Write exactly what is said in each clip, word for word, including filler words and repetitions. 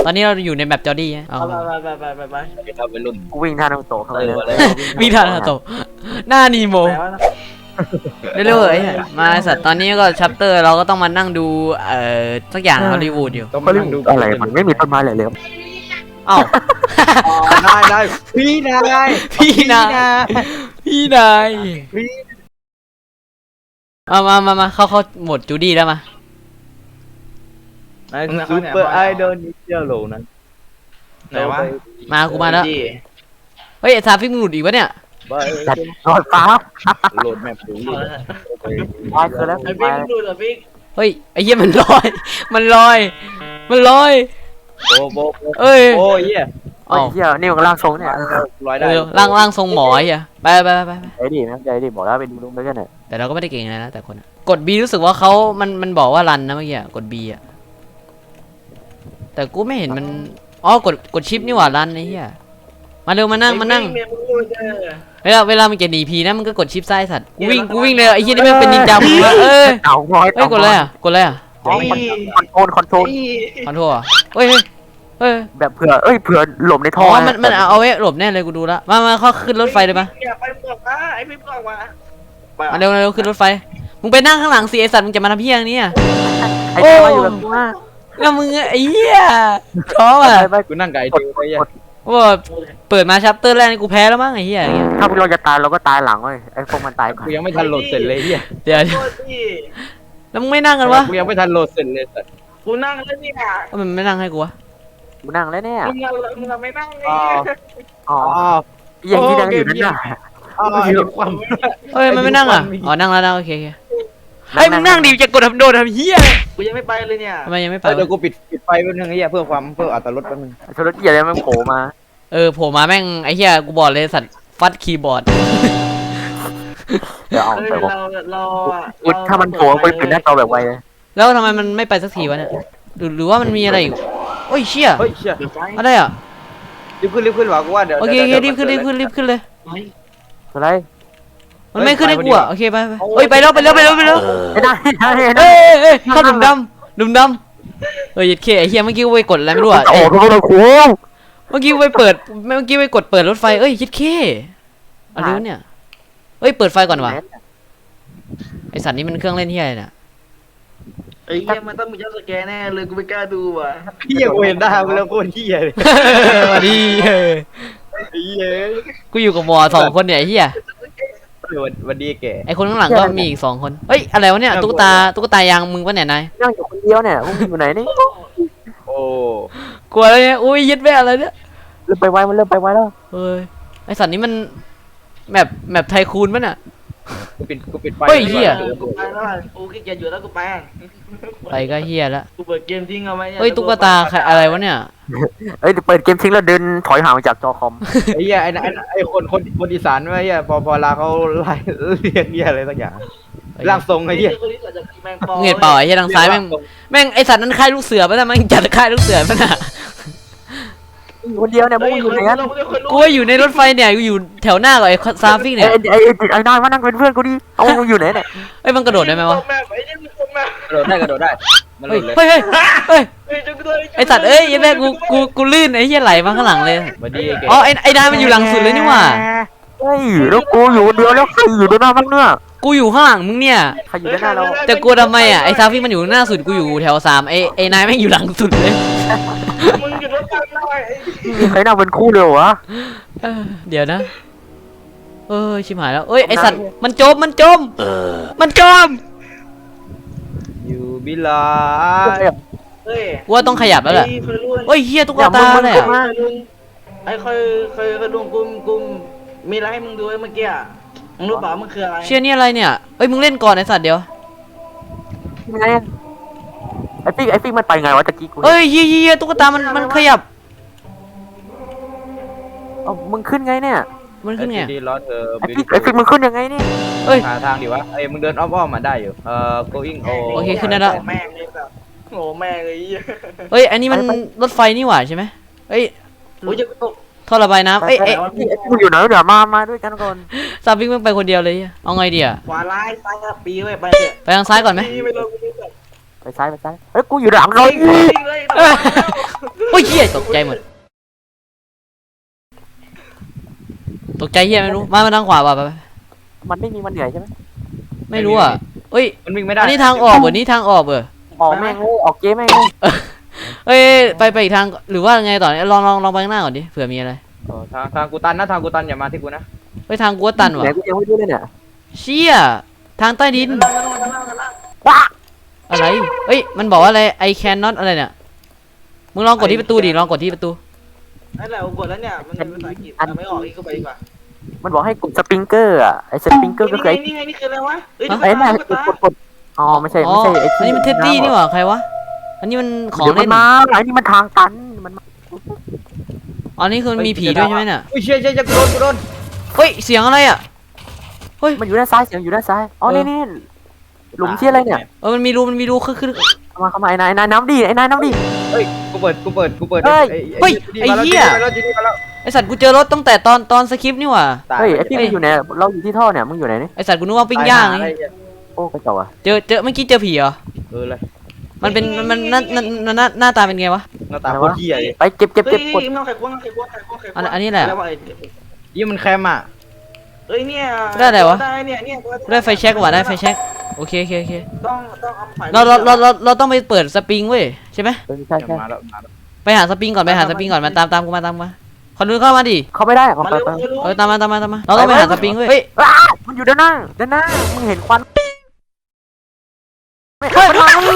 ตอนนี้เราอยู่ในแบบจอร์ดี้ฮะเอาไปไปไปไปไปไปครับเป็นรุ่นกูวิ่งท่านารูโตะเข้าไปเลยวิ่งทันฮะโตหน้านีโมเรื่อยๆมาสัตว์ตอนนี้ก็ชัปเตอร์เราก็ต้องมานั่งดูเอ่อสักอย่างฮอลลีวูดอยู่ต้องมาดูอะไรมันไม่มีต้นไม้เลยเลยเอ้าได้ได้พี่นายพี่นายพี่นายมามามามาเข้าเข้าหมดจูดี้แล้วมานายซูเปอร์ไอดอลนิเชียโลนั้นไหนวะมากูมาแล้วเฮ้ยซาฟิกมึงหลุดอีกวะเนี่ยจัดรอดฟ้าโหลดแมปดูดิไปคือแล้วไอ้บิ๊กดูเหรอบิ๊กเฮ้ยไอ้เหี้ยมันลอยมันลอยมันลอยโอ้โหเอ้ยโอ้ยเหี้ยโอ้ยเหี้ยนี่มันร่างทรงเนี่ยร้อยได้เออร่างร่างทรงหมอไอ้เหี้ยไปไปไปไปไปไอ้ดินะใจดิบอกแล้วไปดูลุงด้วยกันเนี่ยแต่เราก็ไม่ได้เก่งอะไรนะแต่คนอะกด B รู้สึกว่าเขามันมันบอกว่ารันนะเมื่อกี้อะกด B อ่ะแต่กูไม่เห็นมันอ๋อกดกดชิปนี่หว่ารันไอ้เหี้ยมาเร็วมานั่งมานั่งเวลาเวลามันจะหนีพีนะมันก็กดชิปซ้ายสัตว์กูวิ่งกูวิ่งเลยไอ้เหี้ยนี่ไม่งเป็นนินจามึงวะเอ้ยเต่าน้อยเฮ้ยกดอะไรอ่ะกดอะไรอ่ะคอนโทรลคอนโทรลขอโทษอ่ะเฮ้ยเฮ้ยเฮ้ยแบบเผื่อเอ้ยเผื่อหลบในอ๋ท่ออมันมันเอาไว้หลบแน่เลยกูดูละมามาเข้าขึ้นรถไฟเลยปะอย่าไปบอกนะไอ้บิ๊กบอกมามาเร็วเร็วขึ้นรถไฟมึงไปนั่งข้างหลังสิไอสัตว์มึงจะมาทำเพี้ยงนี้อ่ะไอ้เจ้าอยู่กับกูว่าแล้วมึงไอ้เหี้ยท้ออ่ะไปกูนั่งไก่ดูไปเหี้ยว่าเปิดมาชัปเตอร์แรกนี่กูแพ้แล้วมั้งไอ้เหี้ยถ้าพวกเราจะตายเราก็ตายหลังเว้ยไอ้พวกมันตายก่อนกูยังไม่ทันโหลดเสร็จเลยเหี้ยเดี๋ยวโทษดิแล้วมึงไม่นั่งกันวะกูยังไม่ทันโหลดเสร็จเลยสัตว์กูนั่งแล้วเนี่ยว่ามันไม่นั่งให้กูวะกูนั่งแล้วเนี่ยมึงเอามึงเอาไม่นั่งเลยอ๋ออ๋ออ๋อยังที่นั่งอยู่นั่นน่ะอ๋อไอ้ความเฮ้ยมันไม่นั่งอ่ะอ๋อนั่งแล้วนะโอเคโอเคเฮ้ยมึงนั่งดิจะกดทำโดนทำเหี้ยกูยังไม่ไปเลยเนี่ยทำไมยังไม่ไปเดี๋ยวกูปิดปิดไฟแป๊บนึงไอ้เหี้ยเพื่อความเพื่ออัตรสแป๊บนึงโทรศัพท์อะไรมันโผล่มาเออโผล่มาแม่งไอ้เหี้ยกูบอกเลยสัตว์ฟัดคีย์บอร์ดเดี๋ยวเอาเฮ้ยไปบอกเราเราอะอุ๊ยถ้ามันโผล่ไปปิดหน้าจอแบบไวเลยแล้วทำไมมันไม่ไปสักทีวะเนี่ยหรือหรือว่ามันมีอะไรอีกโอ้ยเชี่ยเฮ้ยเชี่ยเดี๋ยวไปอะไรอ่ะรีบขึ้นรีบขึ้นว่ะกูว่าเดี๋ยวโอเคโอเครีบขึ้นรีบขึ้นรีบขึ้นเลยอะไรมันไม่ขึ้นให้กูอ่ะโอเคไปไปเฮ้ยไปแล้วไปแล้วไปแล้วไปแล้วไม่ได้ไม่ได้ไม่ได้เอ้ยเอ้ยเข้าหลุมดำหลุมดำเฮ้ยยัดเคไอ้เหี้ยเมื่อกี้กูไปกดอะไรไม่รู้อ่ะโอ้โหโอ้โหเมื่อกี้ไปเปิดเมื่อกี้ไปกดเปิดรถไฟเอ้ยยัดเคอะไรวะเนี่ยเอ้ยเปิดไฟก่อนวะไอสัตว์นี่มันเครื่องเล่นเหี้ยอะไรเนี่ยไอ้เหี้ยมันต้องมีเจ้าสแกนแน่เลยกูไม่กล้าดูว่ะเหี้ยกูเห็นได้กูแล้วโคตรเหี้ยเลยมาดีเฮ้ยเหี้ยกูอยู่กับหมอสองคนเนี่ยไอ้เหี้ยวันวันดีแกไอคนข้างหลังก็มีอีกสองคนเฮ้ยอะไรวะเนี่ยตุ๊กตาตุ๊กตายางมึงปะเนี่ยนายนั่งอยู่คนเดียวเนี่ยมึงอยู่ไหนนี่โอ้กลัวอะไรเนี่ยอุ้ยยึดแม่อะไรเนี่ยเริ่มไปไวมันเริ่มไปไวแล้วเฮ้ยไอสัตว์นี้มันแมปแมปไทคูนปะเนี่ยกูปิดกูปิดไฟเฮ้ยเหี้ยกูไปแล้วอะกูขี้เกียจอยู่แล้วกูไปอะไปก็เฮียแล้วกูเปิดเกมทิ้งเอาไว้เฮ้ยตุ๊กตาใครอะไรวะเนี่ยเอ้ยเปิดเกมทิ้งแล้วเดินถอยห่างจากจอคอมไอ้เหี้ยไอ้ไอ้ไอ้คนคนคนอีสานไอ้เหี้ยพอพอลาเขาไล่เรียกเหี้ยอะไรสักอย่างร่างทรงไอ้เหี้ยเงียบเปล่าไอ้เหี้ยทางซ้ายแม่งแม่งไอสัตว์นั้นค่ายลูกเสือปะเนี่ยแม่งจัดค่ายลูกเสือปะน่ะคนเดียวเนี่ยมึงอยู่ไหนกันกูว่าอยู่ในรถไฟเนี่ยกูอยู่แถวหน้ากับไอ้ซาฟิกไอ้เนี่ยไอ้ไอ้นายมานั่งเป็นเพื่อนกูดิเอามึงอยู่ไหนเนี่ยเอ้ยมันกระโดดได้ไหมวะกระโดดได้กระโดดได้มันหเฮ้ลุยดเลยเฮ้ยเฮ้ยเฮ้ยไอสัตว์เอ้ยยัยแม่กูกูกูลื่นไอ้เหี้ยไหลมาข้างหลังเลยวันดีแกอ๋อไอ้ไอ้นายมันอยู่หลังสุดเลยนี่หว่าเฮ้ยแล้วกูอยู่คนเดียวแล้วใครอยู่ด้านหน้าบ้างเนี่ยกูอยู่ข้างหลังมึงเนี่ยใครอยู่ด้านหน้าเราจะกลัวทำไมอ่ะไอ้ซาฟิกมันอยู่หน้าสุดกูอยู่แถวสามไอ้ไอ้นายแม่งอยู่หลังสุดเลยมึงหยุดรถกันหน่อยมีใครนั่งเป็นคู่เลยวะเออเดี๋ยวนะเอ้ยชิบหายแล้วเอ้ยไอสัตว์มันจมมันจมมันจมอยู่บิลาเฮ้ยกูว่าต้องขยับแล้วแหละเคยรู้เฮ้ยเฮียตุ๊กตาเลยอะไอ้เคยเคยเคยลุงกุมกุมมีอะไรให้มึงดูเมื่อกี้อะมึงรู้เปล่ามันคืออะไรเชี่ยนี่อะไรเนี่ยเอ้ยมึงเล่นก่อนไอสัตว์เดี๋ยวไงไอ้ปิ๊กไอ้ปิ๊กมันไปไงวะตะกี้กูเอ้ยเฮียเฮียตุ๊กตามันมันขยับเอามึงขึ้นไงเนี่ยมันขึ้นไงดีล้อเธอไอ้ปิ๊กไอ้ปิ๊กมึงขึ้นยังไงเนี่ยเอ้ยหาทางดิวะไอ้มึงเดินอ้อมๆมาได้อยู่เอ่อ going โอโอเคขึ้นได้แล้วแม่งเลยแบบโง่แม่งเลยเอ้ยอันนี้มันรถไฟนี่หว่าใช่ไหมเอ้ยโอ้ยจะตกท่อระบายน้ำเอ้ยเอ้ยไอ้ปิ๊กมึงอยู่ไหนเดี๋ยวมามาด้วยกันก่อนซาฟิกมึงไปคนเดียวเลยเอาไงดีอะขวาร้ายซ้ายครับปีไว้ไปเถอะไปทางซ้ายก่อนไหมปีไม่ลงกูไม่ตกไปซ้ายไปซ้ายเฮ้ยกูอยู่หลังเราวิ่งวิ่งเลยโอ้ยเฮียตกใจหมดตกใจเฮียไม่รู้มามาทางขวาป่ะไปไปมันไม่มีมันเหนื่อยใช่ไหมไม่รู้อ่ะเอ้ยมันวิ่งไม่ได้อันนี้ทางออกเบอร์นี้ทางออกเบอร์ออกแม่งเลยออกเกมแม่งเลยเอ้ยไปไปอีกทางหรือว่าไงต่อเนี่ยลองลองลองไปข้างหน้าก่อนดิเผื่อมีอะไรเออทางทางกูตันนะทางกูตันอย่ามาที่กูนะเฮ้ยทางกูว่าตันว่ะไหนกูยังไม่รู้เลยเนี่ยเชี่ยทางใต้ดินว้าอะไรเอ้ยมันบอกว่าอะไร I cannot อะไรเนี่ยมึงลองกดที่ประตูดิลองกดที่ประตูนั่นแหละกดแล้วเนี่ยมันเป็นภาษาอังกฤษไม่ออกอีกก็ไปดีกว่ามันบอกให้กดสปริงเกอร์อ่ะไอ้สปริงเกอร์ก็คือไอ้นี่ไงนี่คืออะไรวะเฮ้ยไอ้นั่นกดกดกดอ๋อไม่ใช่อ๋อไม่ใช่ไอ้อันนี้มันเท็ดดี้นี่หว่าใครวะอันนี้มันของเดี๋ยวมัเล่นนมาไอ้นี่มันทางตันมันมาอ๋อนี่คือมันมีผีด้วยใช่ไหมเนี่ยอุ้ยเชี่ยเชี่ยเชี่ยกูโดนกูโดนเฮ้ยเสียงอะไรอ่ะเฮ้ยมันอยู่ด้านซ้ายเสียงอยู่ด้านซ้ายอ๋อนี่นี่หลุมเชี่ยอะไรเนี่ยเออมันมีรูมันมีรูคือคือเข้ามาเข้ามาไอ้นายนายน้ำดีไอ้นายน้ำดีเฮ้ยกูเปิดกูเปิดกูเปิดเฮ้ยเฮ้ยไอ้เหี้ยมาแล้วจีนี่มาแล้วไอสัตว์กูเจอรถตั้งแต่ตอนตอนสคริปต์นี่หว่าตายเฮ้ยไอ้พี่มึงอยู่ไหนเราอยู่ที่ท่อเนี่ยมึงอยู่ไหนนี่ไอสัตว์กูนึกว่าปิ้งย่างไงโอ้กระจอกอ่ะเจอเจอเมื่อกี้เจอผีเหรอเออเลยมันเป็นมันมันหน้าหน้าหน้าหน้าตาเป็นไงวะหน้าตาโคตรเหี้ยเลยไปเก็บเก็บเฮ้เก็ยบกดน้องไข่ควงน้องไข่ควงไข่ควงไข่ควงอันอันนี้แหละยี่มันแคมอ่ะเฮ้ยเนี่ยได้อะไรวะได้เนี่ยเนี่ยได้ไฟแช็กว่ะได้ไฟแช็กโอเคโอเคโอเคต้องต้องเอาไฟเราเราเราเราเราต้องไปเปิดสปริงเว้ยใช่ไหมเออใช่ใช่มาแล้วมาแล้วไปหาสปริงก่อนไปหาสปริงก่อนมาตามตามกูมาตามกูมาคนนู้นเข้ามาดิเขาไม่ได้เขามาไปเร็วไปมาเร็วเออตามมาตามมาตามมาเราต้องไปหาสปริงเว้ยเฮ้ยอ้ามันอยู่ด้านหน้าด้านหน้ามึงเห็นควันไม่เฮ้ยมันมามึง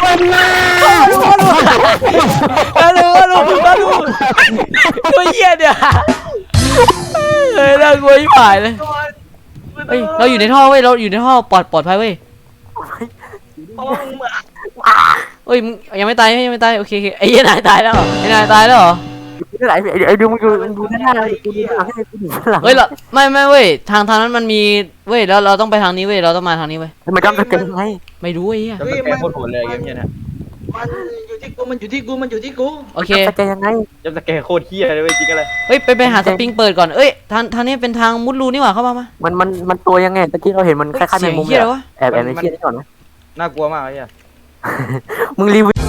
ฮัลโหลฮัลโหลฮัลโหลตัวเหี้ยเนี่ยเฮ้ยน่ากลัวยิ่งผ่ายเลยเฮ้ยเราอยู่ในท่อเว้ยเราอยู่ในท่อปลอดปลอดภัยเว้ยเพราะว่ามึงเหมือนเฮ้ยมึงยังไม่ตายยังไม่ตายโอเคโอเคไอ้เหี้ยนายตายแล้วเหรอไอ้นายตายแล้วเหรอนี่ไหนไอ้ไอ้ดูมึงดูมึงดูด้านหน้ากูดูด้านหลังให้กูดูด้านหลังเฮ้ยเราไม่ไม่เว้ยทางทางนั้นมันมีเว้ยแล้วเราต้องไปทางนี้เว้ยเราต้องมาทางนี้เว้ยมันจำสเก็ตยังไงไม่รู้ไอ้เหี้ยจะเป็นแคมโคตรโหดเลยเกมเนี้ยนะมันอยู่ที่กูมันอยู่ที่กูมันอยู่ที่กูโอเคจำสเก็ตยังไงจะสแกนโคตรเหี้ยเลยเว้ยจริงกันเลยเฮ้ยไปไปหาสปริงเปิดก่อนเอ้ยทางทางนี้เป็นทางมุดรูนี่หว่าเข้ามามามันมันมันตัวยังไงตะกี้เราเห็นมันคล้ายๆแมเสียงงมุมเหี้ยอะไรวะแอบแอบในเชี่ยนี่ก่อนนะน่ากลัวมากไอ้เหี้ยมึงรีวิว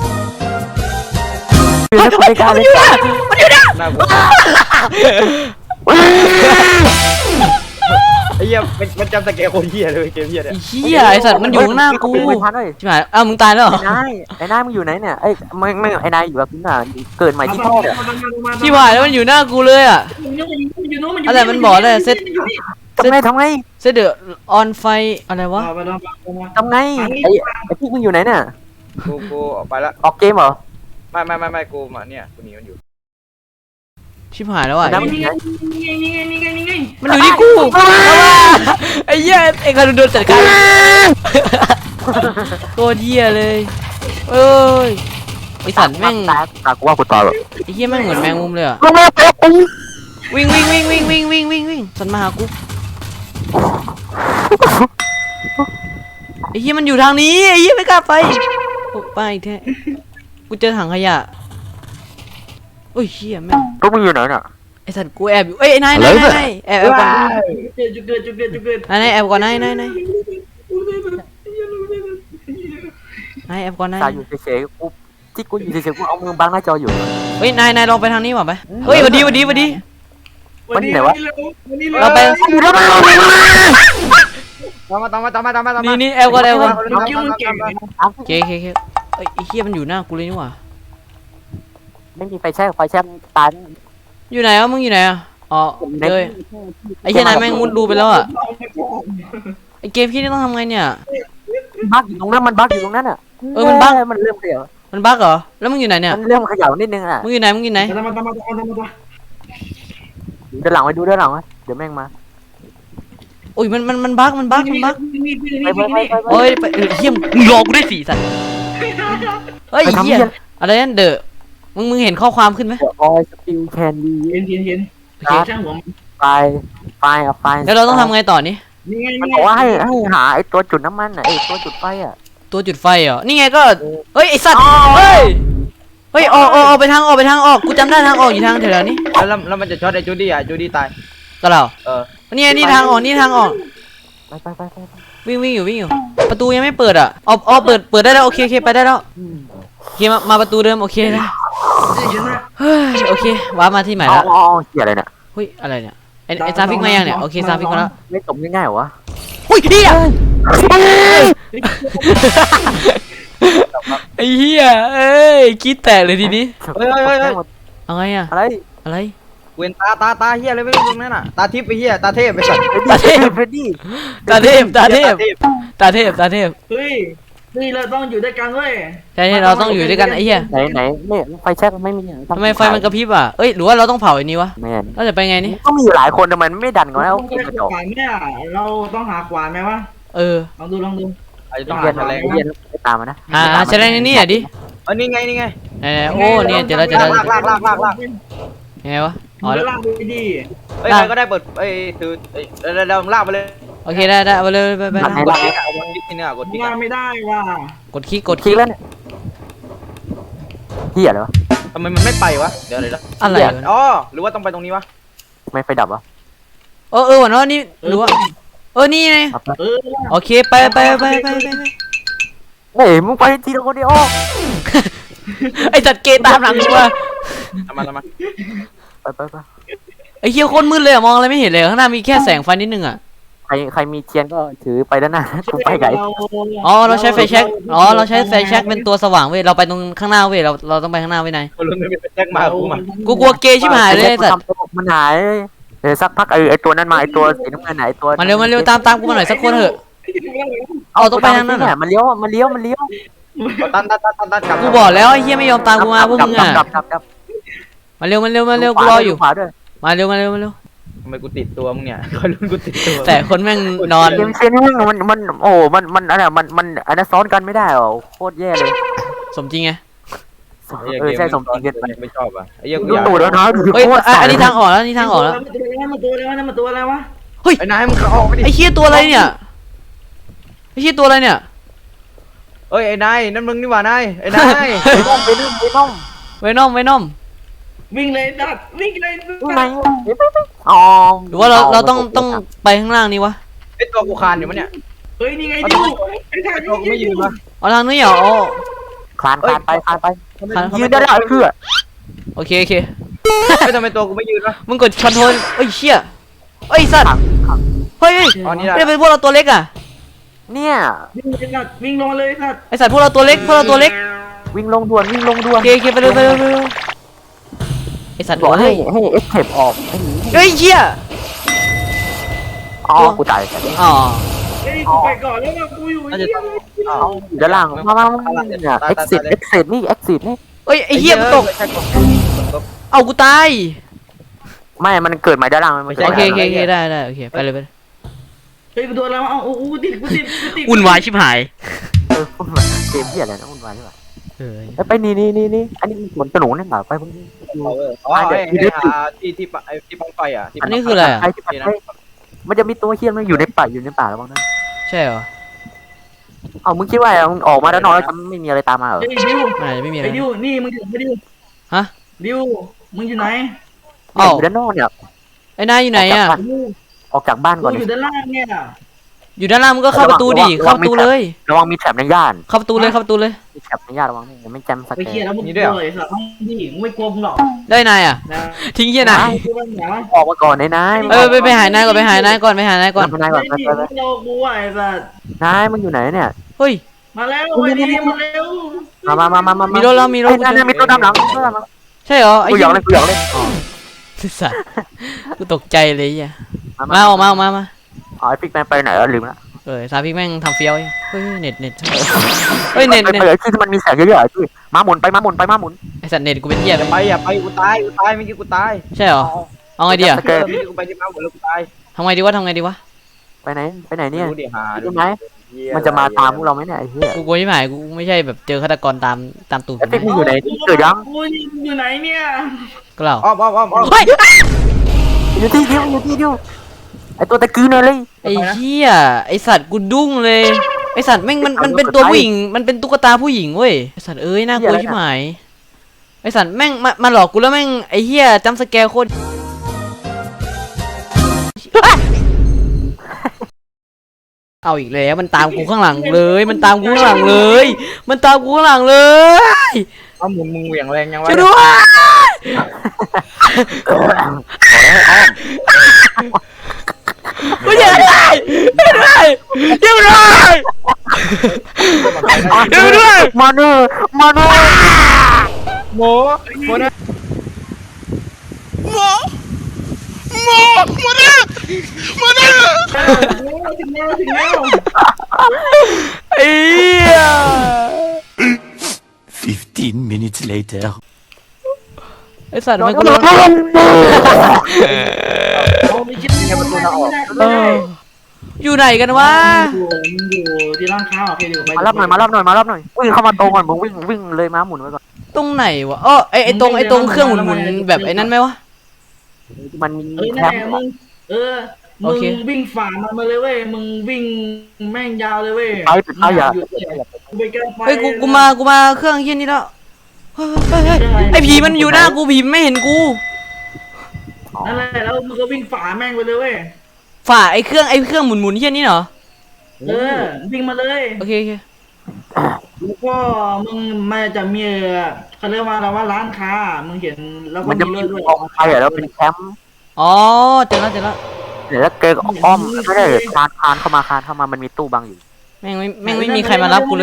ในรายการเลยน่ากลัวไอ้เหี้ยมันมันจำสแกนโคตรเหี้ยเลยเว้ยเกมเหี้ยเนี่ยไอ้เหี้ยไอ้สัตว์มันอยู่ข้างหน้ากูไม่ทันเลยใช่ไหมอ้าวมึงตายแล้วเหรอไอ้นายไอ้นายมึงอยู่ไหนเนี่ยไอ้ไม่ไม่ไอ้นายอยู่กับคุณน่ะเกิดใหม่ที่พ่อเนี่ยที่ผ่านแล้วมันอยู่หน้ากูเลยอ่ะ อะไรมันบอกเลยเซตทำไงทำไงเซตเดอะออนไฟอะไรวะทำไงไอ้ไอ้พี่มึงอยู่ไหนเนี่ยกูกูออกไปละออกเกมเหรอไม่ไม่ไม่ไม่กูมาเนี่ยกูหนีมันอยู่ชิบหายแล้วอ่ะน้ำมันอยู่ไหนมันอยู่ที่กูไอ้เหี้ยไอ้คารุนโดนจัดการโคตรเหี้ยเลยเอ้ยไอสัตว์แม่งตาตากูว่ากูตายแบบไอ้เหี้ยแม่งเหมือนแมงมุมเลยอ่ะลงมาเตะกูวิ่งวิ่งวิ่งวิ่งวิ่งวิ่งวิ่งวิ่งสันมาหากูไอ้เหี้ยมันอยู่ทางนี้ไอ้เหี้ยไม่กล้าไปโอ้ไปแท้กูเจอถังขยะโอ้ยเหี้ยแม่งพวกมึงอยู่ไหนเนี่ยไอ้สัตว์กูแอบอยู่เอ้ยนายนายนายนายแอบแอบก่อนจุดเกิดจุดเกิดจุดเกิดนายนายแอบก่อนนายนายนายนายแอบก่อนนายตาอยู่เฉยๆกูที่กูอยู่เฉยๆกูเอามือบังหน้าจออยู่เฮ้ยนายนายลองไปทางนี้ว่ะไปเฮ้ยหวัดดีหวัดดีหวัดดี เราไปตามมาตามมาตามมาตามมาตามมานี่นี่แอบก่อนแอบก่อนตามมาตามมาตามมาโอเคโอเคโอเคเอ้ยไอ้เหี้ยมันอยู่หน้ากูเลยนี่หว่าไม่มีไฟแช่ไฟแช่ตายอยู่ไหนอ่ะมึงอยู่ไหนอ่ะอ๋อเจอไอ้เหี้ยนายแม่งมุดรูไปแล้วอ่ะไอ้เกมพี่นี่ต้องทำไงเนี่ยบั๊กอยู่ตรงนั้นมันบั๊กอยู่ตรงนั้นอ่ะเออมันบั๊กมันเริ่มเขย่ามันบั๊กเหรอแล้วมึงอยู่ไหนเนี่ยมันเริ่มเขย่านิดนึงอ่ะมึงอยู่ไหนมึงอยู่ไหนตามมาตามมาตามมาตามมาเดินหลังไปดูเดินหลังไว้เดี๋ยวแม่งมาโอ้ยมันมันมันบั๊กมันบั๊กมันบั๊กไปไปไปไปโอ้ยไปเออเหี้ยมึงรอกูด้วยสิสัตว์เฮ้ยไปทำเหี้ยเหี้ยอะไรนั่นเดอะมึงมึงเห็นข้อความขึ้นไหมเดี๋ยวออยสปิลแคนดีเห็นเห็นเห็นโอเคช่างหัวไฟไฟอ่ะไฟแล้วเราต้องทำไงต่อนี่นี่ไงมันบอกว่าให้ให้หาไอ้ตัวจุดน้ำมันอ่ะไอ้ตัวจุดไฟอ่ะตัวจุดไฟเหรอนี่ไงก็เฮ้ยไอสัตว์เฮ้ยเฮ้ยออกออกออกไปทางออกไปทางออกกูจำได้ทางออกอยู่ทางแถวๆนี้แล้วแล้วมันจะช็อตไอ้จูดี้อ่ะจูดี้ตายก็เราเออนี่ไงนี่ทางออกนี่ทางออกไปไปไปไปวิ่งวิ่งอยู่วิ่งอยู่ประตูยังไม่เปิดอ่ะอ๋ออ๋อเปิดเปิดได้แล้วโอเคโอเคไปได้แล้วโอเคมามาประตูเดิมโอเคนะเฮ้ยโอเคว้าร์ปมาที่ใหม่อ๋อแล้วอ๋อเหี้ยอะไรเนี่ยเฮ้ยอะไรเนี่ยไอ้ไอ้ซาฟิกมายังเนี่ยโอเคซาฟิกมาแล้วไม่จบง่ายๆเหรอวะเฮ้ยเฮียไอ้เฮียเอ้ยคิดแตกเลยทีนี้เฮ้ยเฮ้ยเฮ้ยเฮ้ยเอาไงอ่ะอะไรอะไรเวนตาตาตาเฮียอะไรไม่รู้ตรงนั้นอ่ะตาทิพย์ไปเฮียตาเทพไปสัตว์ตาเทพเฟรดดี้ตาเทพตาเทพตาเทพตาเทพเฮ้ยนี่เราต้องอยู่ด้วยกันเว้ยใช่เราต้องอยู่ด้วยกันไอ้เหี้ยไหนไหนไม่ไฟแช็กไม่มีทำไมไฟมันกระพริบอ่ะเอ้ยหรือว่าเราต้องเผาอันนี้วะแมนเราจะไปไงนี่ก็มีอยู่หลายคนทำไมไม่ดันกันแล้วต้องเกมใช้กระจอกขวานเนี่ยเราต้องหาขวานไหมวะเออลองดูลองดูอาจจะต้องเย็หาน แฉลงเย็นไปตามมานะอ่าแฉลงในนี่อ่ะดิเออนี่ไงนี่ไงไหนๆโอ้เนี่ยเจอแล้วเจอแล้วลากลากลากลากลากยังไงวะอ๋อ๋ออแล้วลากไปดีเฮ้ยใครก็ได้เปิดเอ้ยถือเอ้ยเดี๋ยวเดี๋ยวเดี๋ยวลากไปเลยโอเคได้ได้เอาไปเลยไปไปกดคลิกอะเอากดคลิกที่เนี่ยกดคลิกลาอะกไม่ได้ว่ะกดคลิกกดคคลิลิกกแล้วเนี่ยเหี้ยเลยวะทำไมมันไม่ไปวะเดี๋ยวเดี๋ยวเดี๋ยวอะไรวะอ๋อหรือว่าต้องไปตรงนี้วะไม่ไฟดับวะเออเออวะเนาะนี่หรือว่าเออนี่ไงเออโอเคไปไปไปไปไปไปเฮ้ยมึงไปทีละคนเดียวไอ้จัดเกตามหลังกูมาทำมาทำมาไปไปไปไอ้เหี้ยโคตรมืดเลยอะมองอะไรไม่เห็นเลยข้างหน้ามีแค่แสงไฟนิดนึงอ่ะใครใครมีเทียนก็ถือไปด้านหน้ากูไปไกลอ๋อเราใช้ไฟแช็กอ๋อเราใช้ไฟแช็กเป็นตัวสว่างเว้ยเราไปตรงข้างหน้าเว้ยเราเราต้องไปข้างหน้าเว้ยนายคนรุ่นไม่เป็นแจ็คมากูมากูกลัวเกย์ชิบหายเลยไอ้สัตว์มันหายเดี๋ยวสักพักไอ้ไอ้ตัวนั้นมาไอ้ตัวสีน้ำเงินไหนตัวมาเร็วมาเร็วตามตามกูมาหน่อยสักคนเถอะเอาต้องไปทางนั้นเหรเนี่อยมันเลี้ยวมันเลี้ยวมันเลี้ยวตันตันตันตันตันกลับกูบอกแล้วไอ้เหี้ยไม่ยอมตามกูมาพวกมึงอ่ะกลับกลับกลับมาเร็วมาเร็วมาเร็วกูรออยู่ขวาด้วยมาเร็วมาเร็วมาเร็วทำไมกูติดตัวมึงเนี่ยคนรุ่นกูติดตัวแต่คนแม่งนอนเกมเชนนี่มันมันโอ้มันมันอะไรมันมันอันนั้นซ้อนกันไม่ได้หรอโคตรแย่เลยสมจริงไงเออใช่สมจริงเกินไปไม่ชอบอ่ะไอ้เหี้ยกูดูอยากตูดแล้วนะเฮ้ยอ่ะอันนี้ทางออกแล้วนี่ทางออกแล้วมันตัวอะไรวะมันตัวอะไรวะมันตัวอะไรวะไอ้นายมึงเข้าออกไปดิไอ้เหี้ยตัวอะไรเนี่ยไอ้เหี้ยตัวอะไรเนี่ยเอ้ยไอ้นายนั่นมึงนี่หว่านายไอ้นายไปน้องไปน้องไปน้องเวนอมเวนอมวิ่งเลยดัดวิ่งเลยยังไงอ๋อหรือว่าเราเราต้องต้องไปข้างล่างนี้วะไอ้ตัวกูคานอยู่มั้ยเนี่ยเฮ้ยนี่ไงดิวไอ้ทางไอ้ตัวกูไม่ยืนมาเอาทางนี้เหรออ๋อคลานคลานไปคลานไปคานยืนได้แล้วเพื่อโอเคโอเคไม่ทำไมตัวกูไม่ยืนวะมึงกดคอนโทรลเอ้ยเชี่ยเอ้ยสัตว์เฮ้ยเฮ้ยอ๋อนี่ได้ไม่เป็นพวกเราตัวเล็กอ่ะเนี่ยวิ่งเลยดัดวิ่งลงมาเลยดัดไอสัตว์พวกเราตัวเล็กพวกเราตัวเล็กวิ่งลงด่วนวิ่งลงด่วโอน เคโอเคไปเร็วไปเร็วไปเร็วไอสัตว์บอกให้เฮ้ยให้เอ็กเทปออกเฮ้ยเชี่ยอ๋อกูตายอ๋อเฮ้ยกูไปก่อนแล้วว่ากูอยู่น่าจะเหี้ยอ้าวด้านล่างมามามาเนี่ยเอ็กซิสเอ็กซิสนี่เอ็กซิสนี่เอ้ยไอเหี้ยกูตกใช่ตกตกเอากูตายไม่มันเกิดใหม่ด้านล่างมันโอเคโอเคโอเคได้ได้โอเคไปเลยไปเลยเฮ้ยกูโดนแล้วเอาโอ้กูติดกูติดกูติดวุ่นวายชิบหายเออเกมเหี้ยอะไรนะวุ่นวายใช่ป่ะเออไปนี่นี่นี่นี่อันนี้สวนสนุกนี่หว่าไปพวกนี้เอาเอออ๋อไอ้ไอ้หาที่ที่ปะไอ้ที่ปังไฟอ่ะที่อันนี้คืออะไรอ่ะไอ้ที่มันมันจะมีตัวเฮี้ยมันอยู่ในป่าอยู่ในป่าแล้วบ้างนะใช่เหรอเอามึงคิดว่ามึงออกมาด้านนอกแล้วจะไม่มีอะไรตามมาเหรอเฮ้ยดิวมันอาจจะไม่มีอะไรไอ้ดิวนี่มึงอยู่ไหนดิวฮะดิวมึงอยู่ไหนอ้าวอยู่ด้านนอกเนี่ยไอ้นายอยู่ไหนอ่ะดิวออกจากบ้านกูก่อนอยู่ด้านล่างเนี่ยอยู่ด้านล่างมึงก็เข้าประตูดิเข้าประตูเลยระวังมีแถบในย่านเข้าประตูเลยเข้าประตูเลยมีแถบในย่านระวังนี่ไม่จำสไปแกเคลียร์นแล้วมึงกลัวเลยสัตว์ที่มึงไม่กลัวมึงหรอกได้นายอ่ะนะทิ้งเหี้ยนายกูเป็นหมาออกมาก่อนนายนายเออไปไปหานายก่อนไปหานายก่อนไปหานายก่อนนายก่อนไม่ดีมึงโลกูไอ้สัตว์นายมึงอยู่ไหนเนี่ยเฮ้ยมาแล้วไอ้ดิมาแล้วมามามามามามีมีรถแล้วมีรถนายมีตัวดำหลังตัวดำหลังใช่เหรอไอ้กูหยเหี้อย กเลยกูหยอกเลยอ๋อสัตว์กูตกใจเลยไอ่ะมาออกมาออกมามาอ๋อไอ้ฟิกแมนไปไหนแล้วลืมละเออซาพิกแม่งทำเฟี้ยวไอ้เฮ้ยเน็ตเน็ตเฮ้ยเน็ตไปเน็ตไปที่มันมีแสงเยอะๆที่มาหมุนไปมาหมุนไปมาหมุนไอสัตว์เน็ตกูเป็นเหี้ยอย่าไปอย่าไปกูตายกูตายเมื่อกี้กูตายใช่เหรอเอาไงดีอ่ะเออเมื่อกี้กูไปที่ม้าหมดแล้วกูตายทำไงดีวะทำไงดีวะไปไหนไปไหนเนี่ยดูดิหารู้ไหมมันจะมาตามพวกเราไหมเนี่ยไอ้เหี้ยกูกลัวชิบหายกูไม่ใช่แบบเจอฆาตกรตามตามตูดไอ้กูฟิกมึงนะอยู่ไหนเกิดยังกูอยู่ไหนเนี่ยก็เราอ้อมอ้อมอ้อมอ้อมเฮ้ยอยู่ที่เดียวอยู่ที่เดียวไอ้ตัวตะกี้เนี่ยเลยไอ้เหี้ยไอสัตว์กูดุ้งเลยไอสัตว์แม่งมันมันเป็นตัวผู้หญิงมันเป็นตุ๊กตาผู้หญิงเว้ยไอสัตว์เอ้ยน่ากลัวชิบหายไอสัตว์แม่งมามาหลอกกูแล้วแม่งไอเหี้ยจำสแกร์โคตรเอาเอาอีกแล้วมันตามกูข้างหลังเลย มันตามกูข้างหลังเลย มันตามกูข้างหลังเลยเอามึงมึงเหวี่ยงแรงยังวะช่วยด้วยขอได้อ้อมไม่ใช่อะไรช่วยด้วยช่วยด้วยช่วยด้วยมาเนอมาเนอโมโมนะถึงแล้วถึงแล้วไอ้เหี้ย Fifteen minutes later. ไอ้สัตว์ทำไมกูโดโดนนเอาไปคิดไม่ได้ไม่ได้เอออยู่ไหนกันวะอยู่อยู่ที่ร้านค้าโอเคอยู่ไปมารับหน่อยมารับหน่อยมารับหน่อยวิ่งเข้ามาตรงก่อนมึงวิ่งวิ่งเลยม้าหมุนไว้ก่อนตรงไหนวะเออไอไอตรงไอตรงเครื่องหมุนๆแบบไอ้นั้นไหมวะมันมีเอ้ยแคนั่นมแหละป์มึงเออโอมึงเควิ่งฝ่ามันมาเลยเว้ยมึงวิ่งแม่งยาวเลยเว้ยไปปิดไฟอย่าไปแก้ไฟเฮ้ยกูกูมากูมาเครื่องเฮี้ยนี่แล้วเฮ้ยเฮ้ยเฮ้ยไอผีมันอยู่หน้ากูผีมันไม่เห็นกูนั่นแหละแล้วมึงก็วิ่งฝ่าแม่งไปเลยเว้ยฝ่าไอเครื่องไอเครื่องหมุนหมุนเฮี้ยนี่เหรอเออวิ่งมาเลยโอเคโอเคแล้วก็มึงมันจะมีเขาเรียกว่าอะไรว่าร้านค้ามึงเห็นแล้วก็มันจะมีมีรถด้วยกองไฟอ่ะแล้วเป็นแคมป์อ๋อเจอแล้วเจอแล้วเดี๋ยวแล้วเกย์อ้อมไม่ได้คานคานเข้ามาคานเข้ามามันมีตู้บังอยู่แม่งไม่แม่งไม่มีใครมารับกูเลย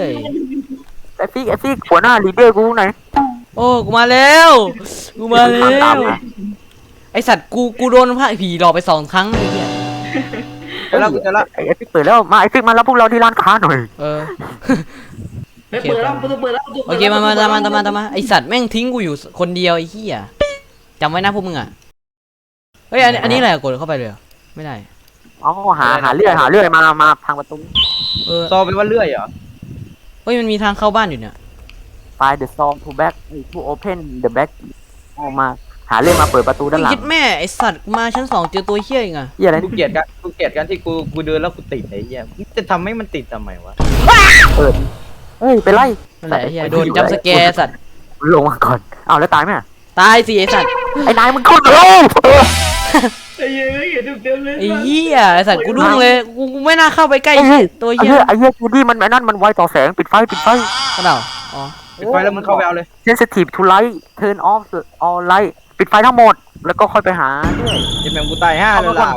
ไอ้ฟี่ไอ้ฟี่หัวหน้าลีดเดอร์กูไหนโอ้กูมาแล้วกูมาแล้วไอสัตว์กูกูโดนพระผีหลอกไปสองครั้งไอ้เหี้ยเจอแล้วกูเจอแล้วไอ้ฟี่เปิดแล้วมาไอ้ฟี่มารับพวกเราที่ร้านค้าหน่อยเออเฮ้ยเปิดแล้วประตูเปิดแล้วประตูโอปิดเคแล้วมามาตามมาตามมาตามมาไอสัตว์แม่งทิ้งกูอยู่คนเดียวไอ้เหี้ยจำไว้นะพวกมึงอ่ะเฮ้ยอันนี้อันนี้อะไรอะกดเข้าไปเลยเหรอไม่ได้อ๋อหาหาเลื่อยหาเลื่อยมามาทางประตูเออซอเป็นว่าเลื่อยเหรอเฮ้ยมันมีทางเข้าบ้านอยู่เนี่ยไฟ the song to back to open the back ออกมาหาเลื่อยมาเปิดประตูด้านหลังคิดแม่ไอสัตว์มาชั้นสองเจอตัวเหี้ยอีกอ่ะเหี้ยอะไรกูเกลียดกันกูเกลียดกันที่กูกูเดินแล้วกูติดไอ้เหี้ยมึงจะทำให้มันติดทำไมวะเปิดเฮ้ยเป็นไรนั่นแหละไอ้เหี้ยโดนจัมป์สแกร์สัตว์ลงมาก่อนเอาแล้วตายไหมตายสิไอสัตว์ไอ้นายมึงขึ้นเร็วไอ้เหี้ยเห็นเต็มๆเลยไอ้เหี้ยไอสัตว์กูดุ้งเลยกูกูไม่น่าเข้าไปใกล้ไอ้เหี้ยตัวไอ้เหี้ยเหี้ยไอ้เหี้ยจูดี้มันไอ้นั่นมันไวต่อแสงปิดไฟปิดไฟกระเดาอ๋อปิดไฟแล้วมึงเข้าไปเอาเลย sensitive to light turn off all light ปิดไฟทั้งหมดแล้วก็ค่อยไปหาด้วยยังแม่งกูตายห้าเลยล่ะ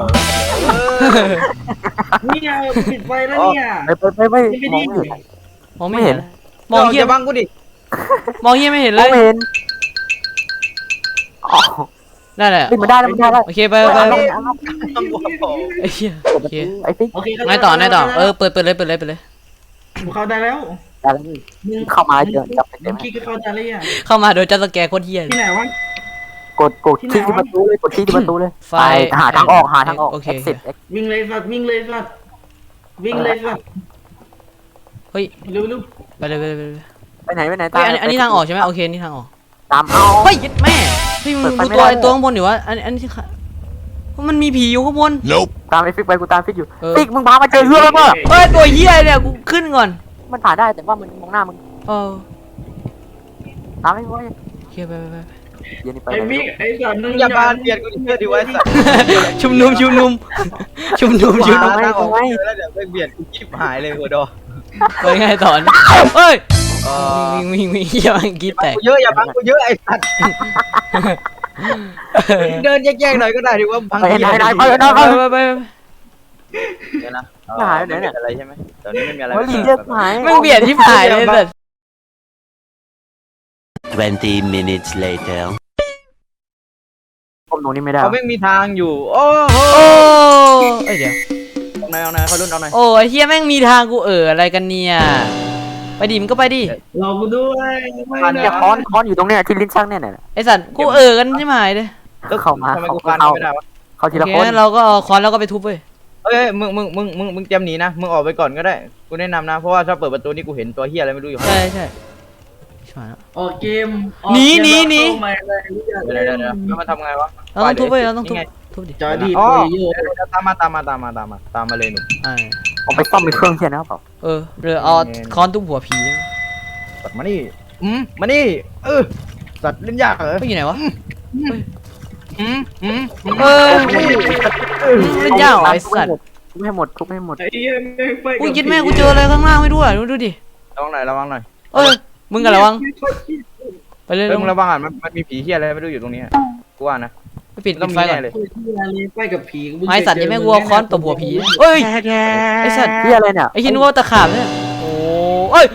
นี่ไงปิดไฟแล้วเนี่ยไปไปไปไปมองไม่เห็นมองไม่เห็นมมออง งเหี้เหี้ยยบังกูดิมองเหี้ยไม่เห็นมเลองยไม่เห็นอ๋อได้แหละนี่มันได้แล้วมันได้แล้วโอเคไปไปไปต้องกูพอไอ้เหี้ยโอโอเคเคไอ้ติ๊กโอเคไงต่อไงต่อเออเปิดเปิดเลยเปิดเลยเปิดเลยเข้าได้แล้วได้แล้วนี่เข้ามาเจอจับไปเต็มึมงคิดก็เข้าใจแล้วอ่ะเข้ามาโดยจัมป์สแกร์โคตรเหี้ยที่ไหนวะกดกดที่ที่ประตูเลยกดที่ที่ประตูเลยไฟไปหาทางออกหาทางออกโอเค exit วิ่งเลยสัตว์วิ่งเลยสัตว์วิ่งเลยสัตว์เฮ้ยเร็วเร็วไปเลยไปเลยไปเลยไปไหนไปไหนเฮ้ยอันนี้อันนี้ทางออกใช่ไหมโอเคนี่ทางออกตามเอาเฮ้ยยึดแม่เฮ้ยมึงเปิดูดไฟไม่ตัวได้ไอ้ตัวข้างบนอยู่วะอันอันนี้ที่ขามันมีผีอยู่ข้างบน Nope. ตามไอ้ฟิกไปกูตามฟิกอยู่เออฟิกมึงพามาเจอเรื่องแล้วมั้งเฮ้ยตัวเหี้ยเนี่ยกูขึ้นก่อนมันผ่านได้แต่ว่ามันมองหน้ามึงเออตามไอ้ไว้โอเคไปไปไปเดี๋ยวนี้ไปไอ้ไหนมิกไอ้สัตว์มึงอย่าบานเปลี่ยนกูดิเพื่อดีไว้สัตว์ชุมนุมชุมนุมชุมนุมชุมนุมทางออกแล้วเดี๋ยวไปเบียดกูชิบหายเลยหัวดอไปไงต่อเฮ้ยเออวิ่งวิ่งวิ่งเหี้ยมันกรีดแตกกูเยอะอย่าบังกูเยอะไอ้สัตว์เดินแยกๆหน่อยก็ได้ดีว่าบังไปไหนไหนไปไหนไปไปไปไปเดี๋ยวนะหายไปไหนเนี่ยอะไรใช่ไหมตอนนี้ไม่มีอะไรเฮ้ยลีเดอร์หายแม่งเบียดที่ผายเลยแต่ Twenty minutes later. ผมตรงนี้ไม่ได้เขาไม่มีทางอยู่โอ้โหโอ้เอ้ยเดี๋ยวเอาหน่อยเอาหน่อยเขารุ่นเอาหน่อยโอ้ไอ้เฮียแม่งมีทางกูเอออะไรกันเนี่ยไปดิมันก็ไปดิรอกูด้วยไม่เนี่ยค้อนค้อนอยู่ตรงเนี้ยที่ลิ้นชักเนี่ยเนี่ยไอสัตว์กูเออกันใช่ไหมเลยก็เข้ามาทำไมเขากูฟันเข้าไม่ได้วะเข้าโอทีละเคคนงั้นเราก็เอาค้อนแล้วก็ไปทุบเว้ยเอ้ยมึงมึงมึงมึงมึงเตรียมหนีนะมึงออกไปก่อนก็ได้กูแนะนำนะเพราะว่าถ้าเปิดประตูนี่กูเห็นตัวเฮียอะไรไม่รู้อยู่ข้างใช่ในใช่ชิบหายแล้วออกเกมหนีหนีหนีเดี๋ยวเดี๋ยวเดี๋ยวแล้วมันทำไงวะเราต้องทุบเว้ยเราต้องทุบนี่ไงทุบดิจอดีอ๋อโอยโย่เดี๋ยวเดี๋ยวตามมาตามมาตามมาตามมาตามมาเลยหนุ่มอ่าผมไปซ่อมในเครื่องเชียร์นะครับเปล่าเออหรือเอาค้อนทุบหัวผีสัตว์มานี่อืมมานี่เออสัตว์เล่นยากเหรอไปอยู่ไหนวะอืมอืมเออเล่นยากเหรอไอสัตว์กทุบให้หมดทุบให้หมดไอ้เหี้ยแม่งไฟอุ้ยคิดแม่กูเจออะไรข้างล่างไม่รู้อ่ะดูดูดิระวังหน่อยระวังหน่อยเอ้ยมึงกันระวังไปเลยเฮ้ยลมึงงระวังอ่ะมันมันมีผีเฮียอะไรไม่รู้อยู่ตรงนี้กูว่านะไปปิดต้ปิองดมีไฟก่อแน่นเลยไฟกับผีไม้สัตว์ยังไม่กลัวค้อนตบหัวผีเอ้ยไอ้สัตว์ที่อะไรเนี่ยไอ้คิดว่าตะขาบเนี่ยโอ้เอ้ย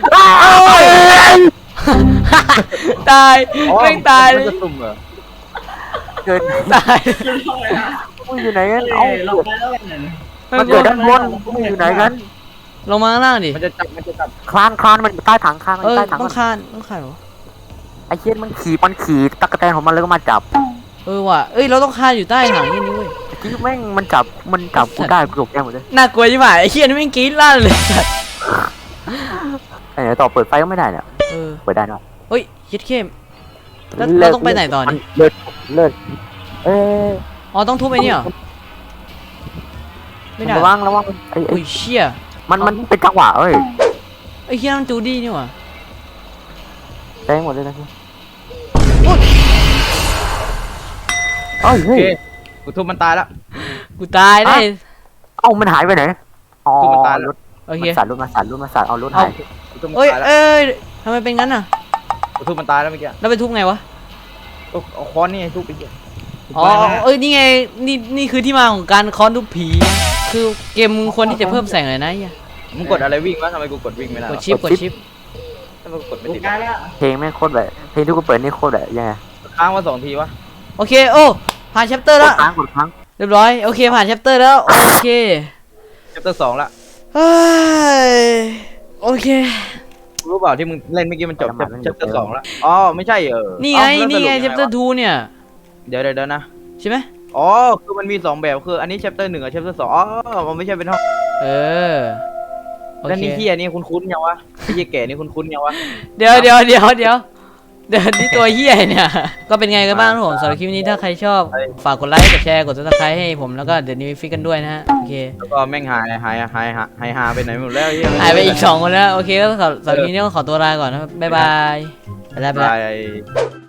ตายอ๋อแม่งตายเลมันยจะสุ่มเหรอเกิดตายมึงอยู่ไหนกันเอ้เอ้ายลงไปแล้วเนี่ยมันเกิดด้านบนมึงอยู่ไหนกันลงมาข้างล่างดิมันจะจับมันจะจับคลานคลานมันอยู่ใต้ถังคลานมันอเออยู่ใต้ถังต้อมังนคานต้องคานเหรอไอ้เชี่ยมันขี่มันขี่ตะกแตนของมันแล้วก็มาจับเออว่ะเอ้ยเราต้องคานอยู่ใต้ถังนี่นี่เว้ยที่แม่งมันจับมันจับกูได้กูตกใจหมดเลยน่ากลัวใช่ไหมไอ้เคียนี่แม่งกรี๊ดลั่นเลยไอ้ไหนต่อเปิดไฟก็ไม่ได้เนี่ยเออเปิดได้เนาะเฮ้ยคิดเข้มแล้วเราต้องไปไหนต่อนี่เลิศเลิศเอ้ยอ๋อต้องทุบไอ้นี่เหรอไม่ได้ระวังระวังไอ้ไอ้อุ้ยเชี่ยมันมันเป็นจังหวะเอ้ยไอ้เคียมันจูดี้นี่หว่าแจ้งหมดเลยนะพี่เอ้ยโอเฮ้ยเคกูทุบมันตายแล้วกูตายได้เอ้ามันหายไปไหนอ๋อคือมันตายแล้วรถโอเคมันสั่นรถมาสั่นรถมาสั่นเอารถเอาหายกูทุบมันเอ้ยตายแล้วเอ้ยทำไมเป็นงั้นอ่ะกูทุบมันตายแล้วเมื่อกี้แล้วไปทุบไงวะเอาเอาค้อนนี่ไงทุบไปเหี้ยอ๋อเอ้ยนี่ไงนี่นี่คือที่มาของการค้อนทุบผี คือเกมมึงควรที่จะเพิ่มแสงเลยนะไอ้เหี้ยมึงกดอะไรวิ่งวะทำไมกูกดวิ่งไม่ได้กวะดชิปกดชิปทำไมกูกดไม่กูติดกลายแล้วเพลงแม่งโคตรแบบเพลงที่กูเปิดนี่โคตรแบบยังไงค้างมาสองทีวะโอเคโอ้ผ่านแชปเตอร์กแล้วดค้างกดค้างเรียบร้อยโอเคผ่านแชปเตอร์แล้วโอเคเชปเตอร์สองละเฮ้ยโอเครู้เปล่าที่มึงเล่นเมื่อกี้มันจบเชปเตอร์สองละอ๋อไม่ใช่เออนี่ไงเอ้าแล้วนี่ไงสแชรุปปเตอร์ทูเนี่ยเดี๋ยวเดี๋ยวเดี๋ยวนะใช่ไหมอ๋อคือมันมีสองแบบคืออันนี้เชปเตอร์หนึ่งกับเชปเตอร์สองอ๋อมันไม่ใช่เป็นห้องเออโอแล้วเคนี่ที่อันนี้คุ้นๆยังวะไอ้เหี้ยแก่นี่คุ้นๆยังวะเดี๋ยวเดี๋ยวเดี๋ยวเดี๋ยวเดี๋ยวนี่ตัวเฮียเนี่ย ก็เป็นไงกันบ้างครับผมสำหรับคลิปนี้ถ้าใครชอบ ฝากกดไลค์กดแชร์กดซับสไครต์ให้ผมแล้วก็เดี๋ยวนี้ฟิกกันด้วยนะฮะโอเคแล้วก็แม่งหายหายหายหายหายหายไปไหนหมดแล้วเหี้หายไปอีกสองคนแล้วโอเคก็สำหรับคลิปนี้ก็ขอตัวลาก่อนนะครับบ๊ายบายไปแล้วไปบแล้วาย